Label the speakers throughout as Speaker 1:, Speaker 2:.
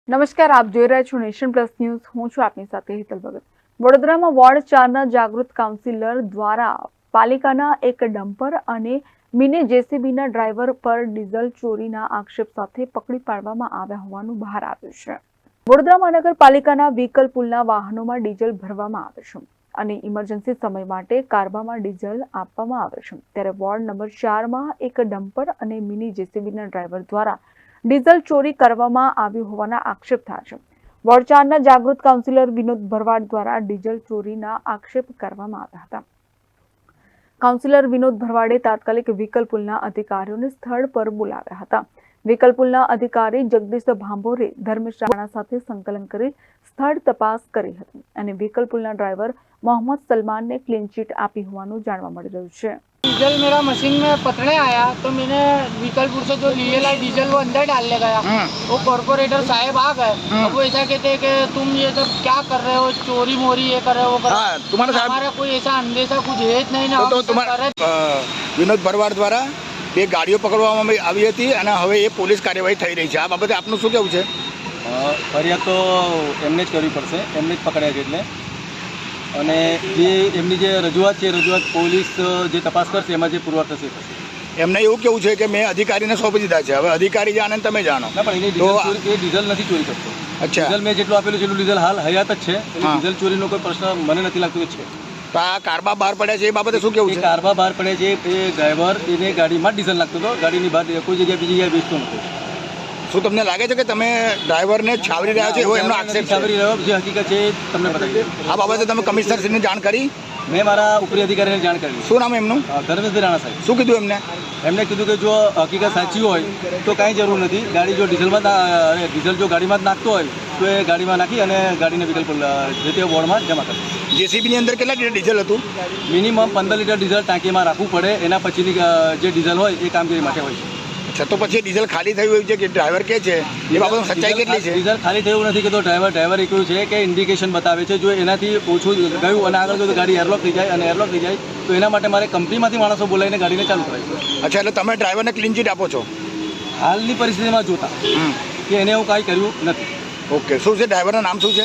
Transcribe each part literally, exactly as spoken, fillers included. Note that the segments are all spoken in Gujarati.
Speaker 1: નમસ્કાર, આપ જોઈ રહ્યા છો નેશન પ્લસ ન્યૂઝ. હું છું આપની સાથે હેતલ ભગત. વડોદરામાં વોર્ડ ચારના જાગૃત કાઉન્સિલર દ્વારા પાલિકાના એક ડમ્પર અને મિની જેસીબીના ડ્રાઈવર પર ડીઝલ ચોરીના આક્ષેપ સાથે પકડી પાડવામાં આવ્યા હોવાનું બહાર આવ્યું છે. વડોદરા મહાનગરપાલિકાના વ્હીકલ પુલના વાહનોમાં ડીઝલ ભરવામાં આવે છે અને ઇમરજન્સી સમય માટે કાર્બામાં ડીઝલ આપવામાં આવે છે. ત્યારે વોર્ડ નંબર ચારમાં એક ડમ્પર અને મિની જેસીબીના ડ્રાઈવર દ્વારા ડીઝલ ચોરી કરવામાં આવ્યું હોવાના આક્ષેપ થયા છે. વોર્ડ ચારના જાગૃત કાઉન્સિલર વિનોદ ભરવાડ દ્વારા ડીઝલ ચોરીના આક્ષેપ કરવામાં આવ્યા હતા. કાઉન્સિલર વિનોદ ભરવાડે તાત્કાલિક વ્હીકલ પુલના અધિકારીઓને સ્થળ પર બોલાવ્યા હતા. વ્હીકલ પુલના અધિકારી જગદીશ ભાંભોરે ધર્મેશ રાણા સાથે સંકલન કરી સ્થળ તપાસ કરી હતી અને વ્હીકલ પુલના ડ્રાઈવર मोहम्मद सलमान ने क्लीन चिट आपी होવાનું જાણવા મળી રહ્યું છે.
Speaker 2: डीजल मेरा मशीन में पकड़ने आया तो मैंने व्हीकलपुर से जो लिए डीजल वो अंदर डालने गया. वो कॉर्पोरेटर साहब आ गए. अब वो ऐसा कहते हैं कि तुम ये सब क्या कर रहे हो, चोरी मोरी ये कर रहे हो कर
Speaker 3: हाँ, तुम्हारा साहब
Speaker 2: हमारा कोई ऐसा अंदेशा कुछ है જ નહીં.
Speaker 3: તો તમારા વિનોદ ભરવાડ દ્વારા બે ગાડીઓ પકડવામાં આવી હતી અને હવે એ પોલીસ કાર્યવાહી થઈ રહી છે. આ બાબતે આપનું શું કહેવું છે?
Speaker 4: ફરિયાદ તો એમને જ કરવી પડશે, એમને જ પકડ્યા છે એટલે. અને જે એમની જે રજૂઆત છે રજૂઆત પોલીસ જે તપાસ કરશે એમાં જે પુરવાર થશે થશે
Speaker 3: એમને એવું કેવું છે કે મેં અધિકારીને સોંપી દીધા છે, હવે અધિકારી જાણે ને તમે જાણો.
Speaker 4: ના, પણ એની ડીઝલ ચોરી એ ડીઝલ નથી ચોરી કરતો.
Speaker 3: અચ્છા,
Speaker 4: ડીઝલ મેં જેટલું આપેલું છે એટલું ડીઝલ હાલ હયાત જ છે. એટલે ડીઝલ ચોરીનો કોઈ પ્રશ્ન મને નથી લાગતો કે છે.
Speaker 3: તો આ કારબા બહાર પડ્યા છે એ બાબતે શું કેવું
Speaker 4: એ
Speaker 3: છે?
Speaker 4: કારબા બહાર પડે છે એ ડ્રાઈવર એને ગાડીમાં જ ડીઝલ નાખતો હતો, ગાડીની બહાર કોઈ જગ્યાએ બીજી જગ્યાએ વેચતો નહોતો.
Speaker 3: શું તમને લાગે છે કે તમે ડ્રાઈવરને છાવરી રહ્યા છો એવો એમનો આક્ષેપ છે?
Speaker 4: છાવરી રહ્યો જે હકીકત છે એ તમને બતાવી.
Speaker 3: આ બાબતે તમે કમિશનરશ્રીને જાણ કરી?
Speaker 4: મેં મારા ઉપરી અધિકારીને જાણ કરી.
Speaker 3: શું નામ એમનું?
Speaker 4: ધર્મેશ રાણા સાહેબ.
Speaker 3: શું કીધું એમને?
Speaker 4: એમને કીધું કે જો હકીકત સાચી હોય તો કાંઈ જરૂર નથી, ગાડી જો ડીઝલમાં ડીઝલ જો ગાડીમાં જ નાખતો હોય તો એ ગાડીમાં નાખી અને ગાડીને વિકલ્પ જે તે વોર્ડમાં જમા કરે.
Speaker 3: જેસીબીની અંદર કેટલા લીટર ડીઝલ હતું?
Speaker 4: મિનિમમ પંદર લીટર ડીઝલ ટાંકીમાં રાખવું પડે, એના પછીની જે ડીઝલ હોય એ કામગીરી માટે હોય છે.
Speaker 3: અચ્છા, તો પછી ડીઝલ ખાલી થયું એવું છે કે ડ્રાઈવર કે છે એ બાબતમાં સચ્ચાઈ કેટલી છે?
Speaker 4: ડીઝલ ખાલી થયું નથી કે તો ડ્રાઈવર ડ્રાઈવર એ કહ્યું છે કે ઇન્ડિકેશન બતાવે છે, જો એનાથી ઓછું ગયું અને આગળ જો ગાડી એરલોક થઈ જાય અને એરલોક થઈ જાય તો એના માટે મારે કંપનીમાંથી માણસો બોલાવીને ગાડીને ચાલુ કરાવી.
Speaker 3: અચ્છા, એટલે તમે ડ્રાઈવરને ક્લીન ચીટ આપો છો
Speaker 4: હાલની પરિસ્થિતિમાં જોતા કે એને હું કાંઈ કર્યું નથી.
Speaker 3: ઓકે, શું છે ડ્રાઈવરનું નામ શું છે?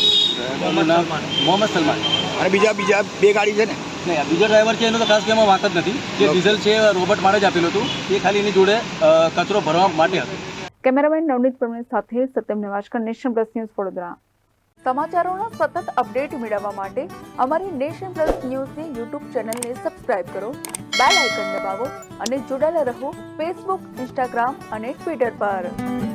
Speaker 4: એનું નામ મોહમ્મદ સલમાન.
Speaker 3: અને બીજા બીજા બે ગાડી છે ને?
Speaker 4: નહીં, આ બીજો ડ્રાઈવર છે એનો તો ખાસ કેમાં વાંક જ નથી. જે ડીઝલ છે રોબોટ માટે જ આપેલું હતું, એ ખાલી એની જોડે કચરો ભરવા માટે હતું.
Speaker 1: કેમેરામેન નવનીત પરમેશ સાથે Satyam Nevashkar, Nation Plus News Vadodara. સમાચારોના સતત અપડેટ મેળવવા માટે અમારી નેશન પ્લસ ન્યૂઝની યુટ્યુબ ચેનલને સબસ્ક્રાઇબ કરો, બેલ આઇકન દબાવો અને જોડાયેલા રહો ફેસબુક, ઇન્સ્ટાગ્રામ અને ટ્વિટર પર.